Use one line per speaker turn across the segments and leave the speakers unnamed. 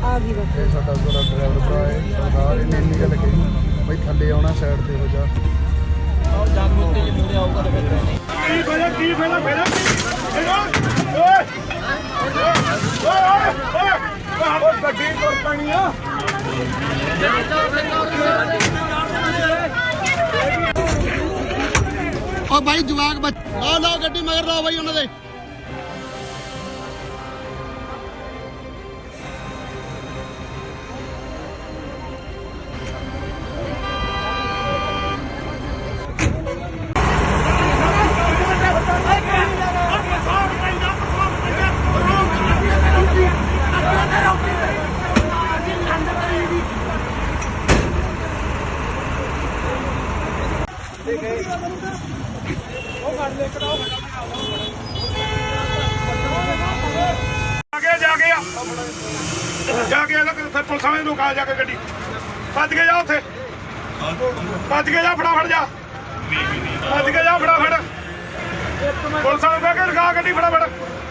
ਗਈ ਬਸ।
ਇਹ ਸਾਡਾ ड्राइवर भरा है सरदार ने इन्नी गल कही बई थल्ले आना साइड ते हो जा भाई जवाक लो लो गड्डी मगर लो भाई उन्होंने
जाके पुलिस वाले रुका जाके गड्डी भज के जा उत्थे भज के जा फटाफट जा भज के जा फटाफट पुलिस वाले कह के रुका गड्डी फटाफट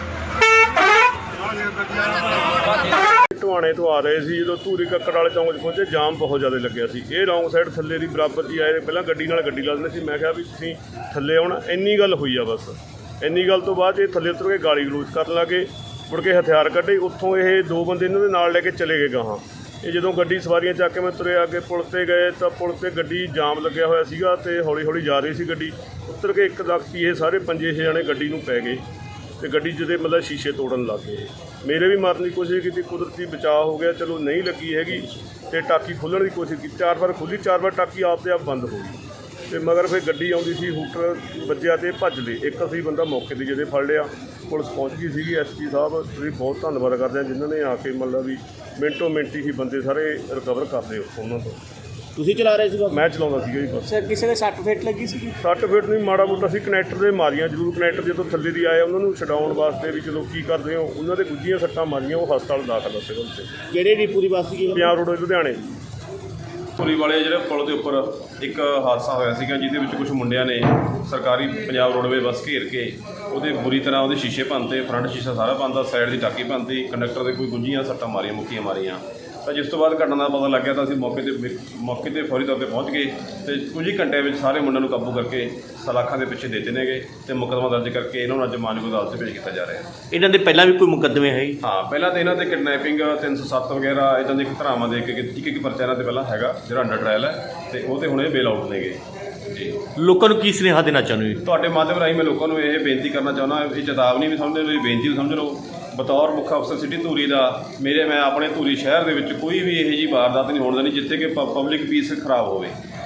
ਢਵਾਣੇ ਤੋਂ ਆ ਰਹੇ ਸੀ ਜਦੋਂ ਧੂਰੀ ਕੱਕੜ ਵਾਲੇ ਚੌਂਕ 'ਚ ਪਹੁੰਚੇ ਜਾਮ ਬਹੁਤ ਜ਼ਿਆਦਾ ਲੱਗਿਆ ਸੀ ਇਹ ਰੌਂਗ ਸਾਈਡ ਥੱਲੇ ਦੀ ਬਰਾਬਰ 'ਚ ਆਏ ਪਹਿਲਾਂ ਗੱਡੀ ਨਾਲ ਗੱਡੀ ਲਾ ਦਿੰਦੇ ਸੀ ਮੈਂ ਕਿਹਾ ਵੀ ਤੁਸੀਂ ਥੱਲੇ ਆਉਣਾ ਇੰਨੀ ਗੱਲ ਹੋਈ ਆ ਬਸ ਇੰਨੀ ਗੱਲ ਤੋਂ ਬਾਅਦ ਇਹ ਥੱਲੇ ਉਤਰ ਕੇ ਗਾਲੀ ਗਲੋਚ ਕਰਨ ਲੱਗੇ ਮੁੜ ਕੇ ਹਥਿਆਰ ਕੱਢੇ ਉੱਥੋਂ ਇਹ ਦੋ ਬੰਦੇ ਇਹਨਾਂ ਦੇ ਨਾਲ ਲੈ ਕੇ ਚਲੇ ਗਏ ਗਾਹਾਂ ਇਹ ਜਦੋਂ ਗੱਡੀ ਸਵਾਰੀਆਂ ਚੱਕ ਕੇ ਮੈਂ ਤੁਰਿਆ ਅੱਗੇ ਪੁਲ 'ਤੇ ਗਏ ਤਾਂ ਪੁਲ 'ਤੇ ਗੱਡੀ ਜਾਮ ਲੱਗਿਆ ਹੋਇਆ ਸੀਗਾ ਅਤੇ ਹੌਲੀ ਹੌਲੀ ਜਾ ਰਹੀ ਸੀ ਗੱਡੀ ਉੱਤਰ ਕੇ ਇੱਕ ਦਖਤੀ ਇਹ ਸਾਰੇ 5-6 ਜਣੇ ਗੱਡੀ ਨੂੰ ਪੈ ਗਏ ਅਤੇ ਗੱਡੀ ਜਿਹਦੇ ਮਤਲਬ ਸ਼ੀਸ਼ੇ ਤੋੜਨ ਲੱਗ ਗਏ ਮੇਰੇ ਵੀ ਮਾਰਨ ਦੀ ਕੋਸ਼ਿਸ਼ ਕੀਤੀ ਕੁਦਰਤੀ ਬਚਾਅ ਹੋ ਗਿਆ ਚਲੋ ਨਹੀਂ ਲੱਗੀ ਹੈਗੀ ਅਤੇ ਟਾਕੀ ਖੋਲ੍ਹਣ ਦੀ ਕੋਸ਼ਿਸ਼ ਕੀਤੀ 4 ਵਾਰ ਖੁੱਲ੍ਹੀ 4 ਵਾਰ ਟਾਕੀ ਆਪ ਦੇ ਆਪ ਬੰਦ ਹੋ ਗਈ ਅਤੇ ਮਗਰ ਫਿਰ ਗੱਡੀ ਆਉਂਦੀ ਸੀ ਹੂਟਰ ਵੱਜਿਆ ਅਤੇ ਭੱਜ ਲਏ ਇੱਕ ਅਸੀਂ ਬੰਦਾ ਮੌਕੇ 'ਤੇ ਜਿਹਦੇ ਫੜ ਲਿਆ ਪੁਲਿਸ ਪਹੁੰਚ ਗਈ ਸੀਗੀ SP ਸਾਹਿਬ ਤੁਸੀਂ ਬਹੁਤ ਧੰਨਵਾਦ ਕਰਦੇ ਹਾਂ ਜਿਨ੍ਹਾਂ ਨੇ ਆ ਕੇ ਮਤਲਬ ਵੀ ਮਿੰਟੋ ਮਿੰਟ ਹੀ ਬੰਦੇ ਸਾਰੇ ਰਿਕਵਰ ਕਰਦੇ ਉੱਥੋਂ ਉਹਨਾਂ ਤੋਂ
ਤੁਸੀਂ ਚਲਾ ਰਹੇ ਸੀ ਬਸ
ਮੈਂ ਚਲਾਉਂਦਾ ਸੀਗਾ ਜੀ ਬਸ
ਕਿਸੇ ਦੇ ਸੱਟ ਫੇਟ ਲੱਗੀ ਸੀ
ਸੱਟ ਫੇਟ ਨਹੀਂ ਮਾੜਾ ਮੋਟਾ ਸੀ ਕਨੈਕਟਰ ਦੇ ਮਾਰੀਆਂ ਜ਼ਰੂਰ ਕਨੈਕਟਰ ਜਦੋਂ ਥੱਲੇ ਦੀ ਆਏ ਉਹਨਾਂ ਨੂੰ ਛਡਾਉਣ ਵਾਸਤੇ ਵੀ ਚਲੋ ਕੀ ਕਰਦੇ ਹੋ ਉਹਨਾਂ ਦੇ ਗੁੱਝੀਆਂ ਸੱਟਾਂ ਮਾਰੀਆਂ ਉਹ ਹਸਪਤਾਲ ਦਾਖਲ ਆ ਸਿਵਲ 'ਚ
ਕਿਹੜੇ ਡਿਪੂ ਦੀ ਬੱਸ ਸੀ
ਪੰਜਾਬ ਰੋਡ ਲੁਧਿਆਣੇ
ਧੂਰੀ ਵਾਲੇ ਜਿਹੜੇ ਪੁਲ ਦੇ ਉੱਪਰ ਇੱਕ ਹਾਦਸਾ ਹੋਇਆ ਸੀਗਾ ਜਿਹਦੇ ਵਿੱਚ ਕੁਝ ਮੁੰਡਿਆਂ ਨੇ ਸਰਕਾਰੀ ਪੰਜਾਬ ਰੋਡਵੇ ਬੱਸ ਘੇਰ ਕੇ ਉਹਦੇ ਬੁਰੀ ਤਰ੍ਹਾਂ ਉਹਦੇ ਸ਼ੀਸ਼ੇ ਭੰਨਤੇ ਫਰੰਟ ਸ਼ੀਸ਼ਾ ਸਾਰਾ ਭੰਨਤਾ ਸਾਈਡ ਦੀ ਟਾਕੀ ਭੰਨਤੀ ਕੰਡਕਟਰ ਦੇ ਕੋਈ ਗੁੱਝੀਆਂ ਸੱਟਾਂ ਮਾਰੀਆਂ ਮੁੱਕੀਆਂ ਮਾਰੀਆਂ ਤਾਂ ਜਿਸ ਤੋਂ ਬਾਅਦ ਘਟਨਾ ਦਾ ਪਤਾ ਲੱਗਿਆ ਤਾਂ ਅਸੀਂ ਮੌਕੇ 'ਤੇ ਫੌਰੀ ਤੌਰ 'ਤੇ ਪਹੁੰਚ ਗਏ ਅਤੇ ਕੁਝ ਹੀ ਘੰਟਿਆਂ ਵਿੱਚ ਸਾਰੇ ਮੁੰਡਿਆਂ ਨੂੰ ਕਾਬੂ ਕਰਕੇ ਸਲਾਖਾਂ ਦੇ ਪਿੱਛੇ ਦੇ ਦਿੱਤੇ ਗਏ ਅਤੇ ਮੁਕੱਦਮਾ ਦਰਜ ਕਰਕੇ ਇਹਨਾਂ ਨੂੰ ਅੱਜ ਮਾਨਯੋਗ ਅਦਾਲਤ 'ਚ ਭੇਜ ਕੀਤਾ ਜਾ ਰਿਹਾ
ਇਹਨਾਂ ਦੇ ਪਹਿਲਾਂ ਵੀ ਕੋਈ ਮੁਕੱਦਮੇ ਹੈ
ਹਾਂ ਪਹਿਲਾਂ ਤਾਂ ਇਹਨਾਂ ਤੇ ਕਿਡਨੈਪਿੰਗ 307 ਵਗੈਰਾ ਇੱਦਾਂ ਦੇ ਧਾਰਾਵਾਂ ਦੇ ਕੇ ਇੱਕ ਪਰਚਾ ਇਹਨਾਂ 'ਤੇ ਪਹਿਲਾਂ ਹੈਗਾ ਜਿਹੜਾ ਅੰਡਰ ਟਰਾਇਲ ਹੈ ਅਤੇ ਉਹ 'ਤੇ ਹੁਣ ਇਹ ਬੇਲ ਆਊਟ ਨੇ ਗਏ ਜੀ
ਲੋਕਾਂ ਨੂੰ ਕੀ ਸੁਨੇਹਾ ਦੇਣਾ ਚਾਹੁੰਦੇ ਹੋ
ਤੁਹਾਡੇ ਮਾਧਿਅਮ ਰਾਹੀਂ ਮੈਂ ਲੋਕਾਂ ਨੂੰ ਇਹ ਬੇਨਤੀ ਕਰਨਾ ਚਾਹੁੰਦਾ ਇਹ ਚੇਤਾਵਨੀ ਵੀ ਸਮਝ ਲਓ ਬੇਨਤੀ ਵੀ ਸਮਝ ਲਓ ਬਤੌਰ ਮੁੱਖ ਅਫਸਰ ਸਿਟੀ ਧੂਰੀ ਦਾ ਮੈਂ ਆਪਣੇ ਧੂਰੀ ਸ਼ਹਿਰ ਦੇ ਵਿੱਚ ਕੋਈ ਵੀ ਇਹੋ ਜਿਹੀ ਵਾਰਦਾਤ ਨਹੀਂ ਹੋਣ ਦੇਣੀ ਜਿੱਥੇ ਕਿ ਪਬਲਿਕ ਪੀਸ ਖਰਾਬ ਹੋਵੇ